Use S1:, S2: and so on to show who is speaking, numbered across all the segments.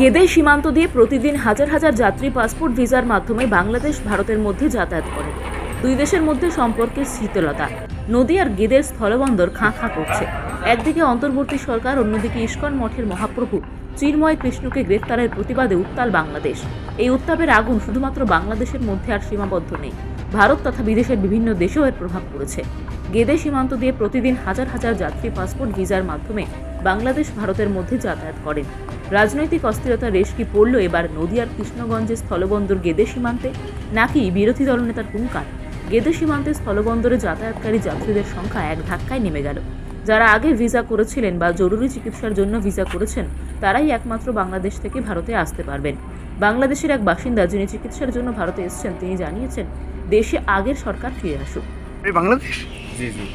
S1: গেদে সীমান্ত দিয়ে প্রতিদিন হাজার হাজার যাত্রী পাসপোর্ট ভিসার মাধ্যমে বাংলাদেশ ভারতের মধ্যে যাতায়াত করে। দুই দেশের মধ্যে সম্পর্কের শীতলতা। নদী আর গেদের স্থলবন্দর খাঁ খাঁ করছে। একদিকে অন্তর্বর্তী সরকার, অন্যদিকে ইস্কন মঠের মহাপ্রভু চিন্ময় কৃষ্ণকে গ্রেফতারের প্রতিবাদে উত্তাল বাংলাদেশ। এই উত্তাপের আগুন শুধুমাত্র বাংলাদেশের মধ্যে আর সীমাবদ্ধ নেই, ভারত তথা বিদেশের বিভিন্ন দেশেও এর প্রভাব পড়েছে। গেদে সীমান্ত দিয়ে প্রতিদিন হাজার হাজার যাত্রী পাসপোর্ট ভিসার মাধ্যমে বাংলাদেশ ভারতের মধ্যে যাতায়াত করেন। রাজনৈতিক অস্থিরতার রেশ কি পড়ল এবার নদিয়ার কৃষ্ণগঞ্জের স্থলবন্দর গেদে সীমান্তে, নাকি বিরোধী দলনেতার হুঙ্কার? গেদে সীমান্তে স্থলবন্দরে যাতায়াতকারী যাত্রীদের সংখ্যা এক ধাক্কায় নেমে গেল। যারা আগে ভিসা করেছিলেন বা জরুরি চিকিৎসার জন্য ভিসা করেছেন, তারাই একমাত্র বাংলাদেশ থেকে ভারতে আসতে পারবেন। বাংলাদেশের এক বাসিন্দা, যিনি চিকিৎসার জন্য ভারতে এসেছেন, তিনি জানিয়েছেন দেশে আগের সরকার ফিরে আসুক।
S2: বাংলাদেশ?
S3: জি জি।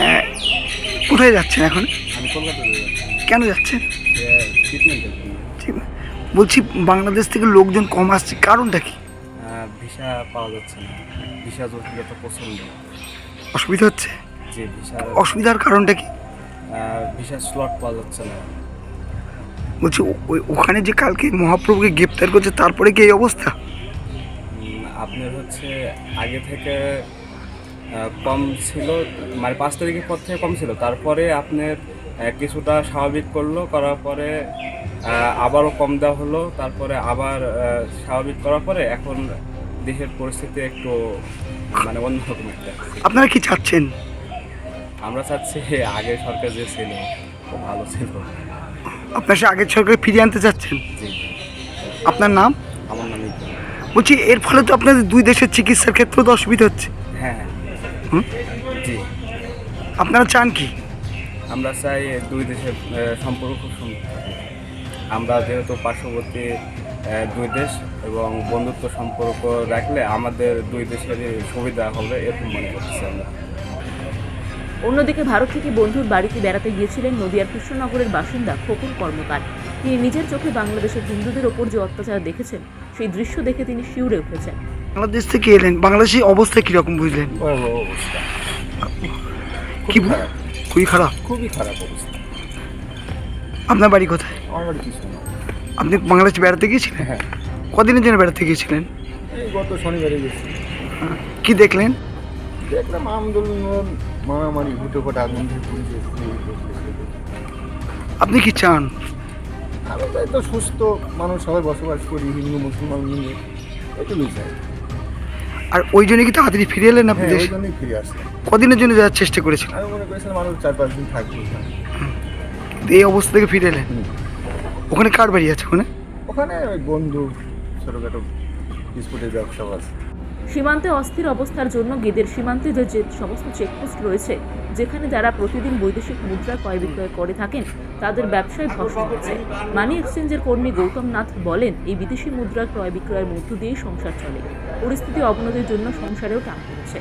S2: কোথায় যাচ্ছেন এখন?
S3: আমি কলকাতায় যাচ্ছি।
S2: কেন যাচ্ছেন?
S3: ট্রিটমেন্টের জন্য।
S2: ঠিক, বলছি বাংলাদেশ থেকে লোকজন কম আসছে, কারণটা কি?
S3: ভিসা পাওয়া যাচ্ছে না, ভিসা জটিলতা প্রচণ্ড।
S2: অসুবিধা হচ্ছে?
S3: যে ভিসা
S2: অসুবিধার কারণটা কি?
S3: ভিসা স্লট পাওয়া যাচ্ছে না।
S2: বলছি ওখানে যে কালকে মহাপ্রভুকে গ্রেপ্তার করছে, তারপরে কি এই অবস্থা?
S3: আপনার হচ্ছে আগে থেকে কম ছিল, মানে 5 তারিখের পর থেকে কম ছিল, তারপরে আপনার কিছুটা স্বাভাবিক করলো, করার পরে আবারও কম দেওয়া হলো, তারপরে আবার স্বাভাবিক করার পরে এখন দেশের পরিস্থিতি একটু মানে অন্যরকম একটা।
S2: আপনারা কি চাচ্ছেন?
S3: আমরা চাচ্ছি আগের সরকার যে ছিল খুব ভালো ছিল।
S2: আপনার সে আগের সরকার ফিরিয়ে আনতে চাচ্ছেন?
S3: জি।
S2: আপনার নাম?
S3: আমার নাম ইকবাল।
S2: বলছি এর ফলে তো আপনাদের দুই দেশের চিকিৎসার ক্ষেত্রেও তো অসুবিধা হচ্ছে।
S3: হ্যাঁ
S2: হুম?
S3: জি।
S2: আপনারা চান কি?
S3: আমরা চাই দুই দেশের সম্পর্ক খুব সুন্দর থাকে। আমরা যেহেতু পার্শ্ববর্তী দুই দেশ এবং বন্ধুত্ব সম্পর্ক রাখলে আমাদের দুই দেশেরই সুবিধা হবে, এরকম মনে করছি আমরা।
S1: অন্যদিকে ভারত থেকে বন্ধুর বাড়িতে বেড়াতে গিয়েছিলেন নদিয়ার কৃষ্ণনগরের বাসিন্দা খোকন কর্মকার। তিনি নিজের চোখে বাংলাদেশের হিন্দুদের ওপর যে অত্যাচার দেখেছেন, সেই দৃশ্য দেখে তিনি শিউরে উঠেছেন।
S2: বাংলাদেশ থেকে এলেন, বাংলাদেশের অবস্থা কিরকম বুঝলেন?
S3: অবস্থা
S2: কি খুবই খারাপ?
S3: খুবই খারাপ অবস্থা।
S2: আপনার বাড়ি কোথায়?
S3: আমার বাড়ি কৃষ্ণনগর।
S2: আপনি বাংলাদেশে বেড়াতে গিয়েছিলেন?
S3: হ্যাঁ,
S2: কদিনের জন্য বেড়াতে গিয়েছিলেন?
S3: এই গত শনিবারে গেছি।
S2: কি দেখলেন?
S3: দেখলাম আন্দোলন, মারামারি, হুটোপাটা, আগুন দিয়ে পুলিশ।
S2: আপনি কি চান?
S3: আমি চাই তো সুস্থ মানুষ সবাই বসবাস করি, হিন্দু মুসলমান মিলে, এটুকুই চাই।
S2: আর ওই জন্য কি তাড়াতাড়ি ফিরে এলেন আপনি
S3: হ্যাঁ,
S2: দেশে?
S3: ওই জন্যই ফিরে আসলাম।
S2: কদিনের জন্য যাওয়ার চেষ্টা করেছিলেন?
S3: আমি মনে করেছিলাম আরও 4-5 দিন থাকবো।
S2: এই অবস্থা থেকে ফিরে এলেন। ওখানে কার বাড়ি আছে?
S3: ওখানে ওই বন্ধু ছোটোখাটো বিস্কুটের ব্যবসা আছে।
S1: সীমান্তে অস্থির অবস্থার জন্য গেদের সীমান্তে যে সমস্ত চেকপোস্ট রয়েছে, যেখানে যারা প্রতিদিন বৈদেশিক মুদ্রা ক্রয় বিক্রয় করে থাকেন, তাদের ব্যবসায় ধস হচ্ছে। মানি এক্সচেঞ্জের কর্মী গৌতম নাথ বলেন, এই বিদেশি মুদ্রা ক্রয় বিক্রয়ের মধ্য দিয়েই সংসার চলে। পরিস্থিতি অবনতির জন্য সংসারেও টান পড়ছে।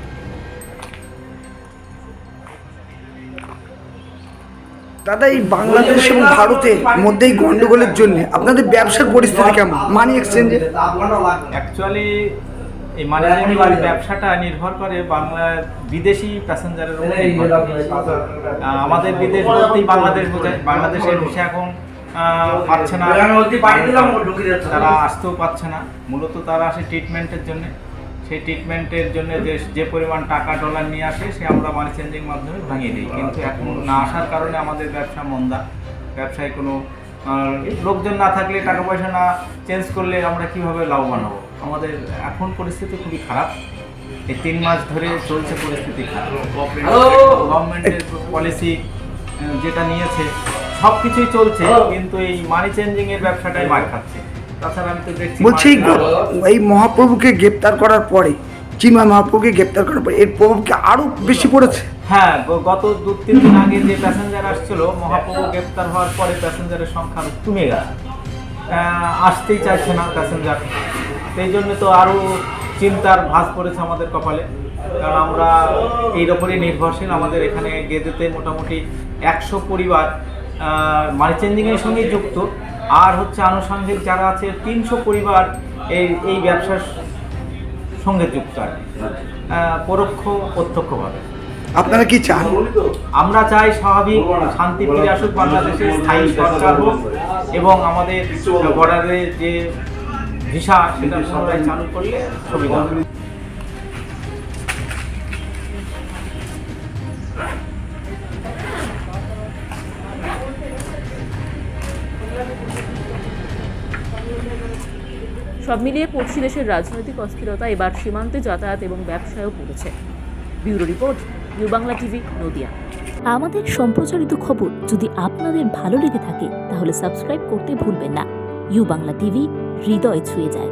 S2: দাদা, এই বাংলাদেশ এবং ভারতের মধ্যে এই গন্ডগোলের জন্য আপনাদের ব্যবসার পরিস্থিতি কেমন? মানি এক্সচেঞ্জে
S4: অ্যাকচুয়ালি এই মানি চেঞ্জিং ব্যবসাটা নির্ভর করে বিদেশি প্যাসেঞ্জারের উপর। আমাদের বিদেশ বলতেই বাংলাদেশ বোঝায়। বাংলাদেশের ভিসা এখন পাচ্ছে না, তারা আসতেও পাচ্ছে না। মূলত তারা আসে ট্রিটমেন্টের জন্য। সেই ট্রিটমেন্টের জন্য যে পরিমাণ টাকা ডলার নিয়ে আসে, সে আমরা মানি চেঞ্জিং মাধ্যমে ভাঙিয়ে দিই। কিন্তু এখন না আসার কারণে আমাদের ব্যবসা মন্দা। ব্যবসায় কোনো লোকজন না থাকলে, টাকা পয়সা না চেঞ্জ করলে আমরা কীভাবে লাভবান হব? আমাদের এখন পরিস্থিতি খুবই খারাপ। এই 3 মাস ধরে চলছে পরিস্থিতি খারাপ। গভর্নমেন্টের পলিসি যেটা নিয়েছে সব কিছুই চলছে, কিন্তু এই মানি চেঞ্জিংয়ের ব্যবসাটাই মার খাচ্ছে। তাছাড়া আমি তো দেখছি,
S2: বলছি এই মহাপ্রভুকে গ্রেপ্তার করার পরে, চিন্ময় মহাপ্রভুকে গ্রেপ্তার করার পরে এর প্রভাব কি আরো বেশি পড়েছে?
S4: হ্যাঁ, গত 2-3 দিন আগে যে প্যাসেঞ্জার আসছিল, মহাপ্রভু গ্রেপ্তার হওয়ার পরে প্যাসেঞ্জারের সংখ্যা কমে গেছে। আসতেই চাইছে না প্যাসেঞ্জার। সেই জন্য তো আরও চিন্তার ভাঁজ পড়েছে আমাদের কপালে। কারণ আমরা এর ওপরই নির্ভরশীল। আমাদের এখানে গেদেতে মোটামুটি 100 পরিবার মানি চেঞ্জিংয়ের সঙ্গে যুক্ত। আর হচ্ছে আনুষঙ্গিক যারা আছে 300 পরিবার এই ব্যবসার সঙ্গে যুক্ত আর পরোক্ষ প্রত্যক্ষভাবে।
S2: আপনারা কি চান?
S4: আমরা চাই স্বাভাবিক শান্তি ফিরে আসুক বাংলাদেশে, স্থায়ী সরকার হোক এবং আমাদের বর্ডারে যে ভিসা সেটা পুনরায় চালু করলে সুবিধা হবে।
S1: সব মিলিয়ে পড়শি দেশের রাজনৈতিক অস্থিরতা এবার সীমান্তে যাতায়াত এবং ব্যবসায়ও পড়েছে। Bureau report, new Bangla TV, Nadia.
S5: আমাদের সম্প্রচারিত খবর যদি আপনাদের ভালো লেগে থাকে তাহলে সাবস্ক্রাইব করতে ভুলবেন না। ইউ বাংলা টিভি, হৃদয় ছুঁয়ে যায়।